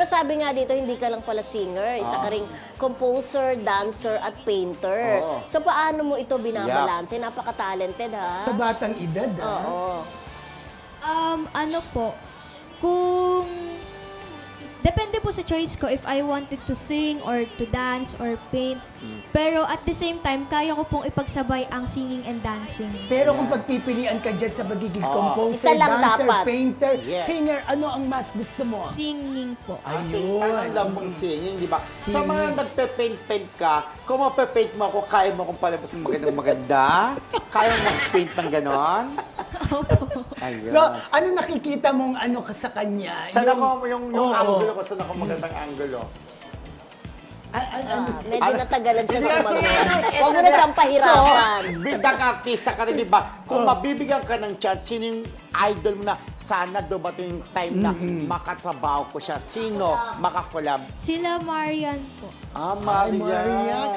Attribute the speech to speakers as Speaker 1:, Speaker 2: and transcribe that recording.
Speaker 1: sabi nga dito, hindi ka lang pala singer. Isa ka ring composer, dancer, at painter. So, paano mo ito binabalanse? Napaka-talented, ha?
Speaker 2: Sa batang edad,
Speaker 1: Oo.
Speaker 3: Ano po, kung depende po sa choice ko if I wanted to sing or to dance or paint. Pero at the same time, kaya ko pong ipagsabay ang singing and dancing.
Speaker 2: Pero kung pagpipilian ka dyan sa magiging composer,
Speaker 1: Isa lang
Speaker 2: dancer,
Speaker 1: dapat.
Speaker 2: painter,
Speaker 4: Yes.
Speaker 2: singer, ano ang mas gusto mo?
Speaker 3: Singing po.
Speaker 2: Ayun.
Speaker 4: Ang alam mong singing, di ba? Sa
Speaker 2: Singing.
Speaker 4: mga nagpe-paint-paint ka, kung mape-paint mo ako, kaya mo kung palabas ng maganda? Kaya mo mag-paint ng ganon? Ayun.
Speaker 2: So, ano nakikita mong ano ka sa kanya?
Speaker 4: Saan ako, yung
Speaker 2: Oo.
Speaker 4: angulo ko, saan ako magandang angulo?
Speaker 1: Medyo natagalan siya
Speaker 4: Hindi,
Speaker 1: sa
Speaker 4: kasi
Speaker 1: mga.
Speaker 4: ano,
Speaker 1: Huwag mo na siyang pahirapan.
Speaker 4: So, biglang artista ka rin, di ba? Kung mabibigyan ka ng chance, sino yung idol mo na sana dumating yung time na makatrabaho ko siya? Sino makakolab?
Speaker 3: Sila Marian po.
Speaker 4: Marian.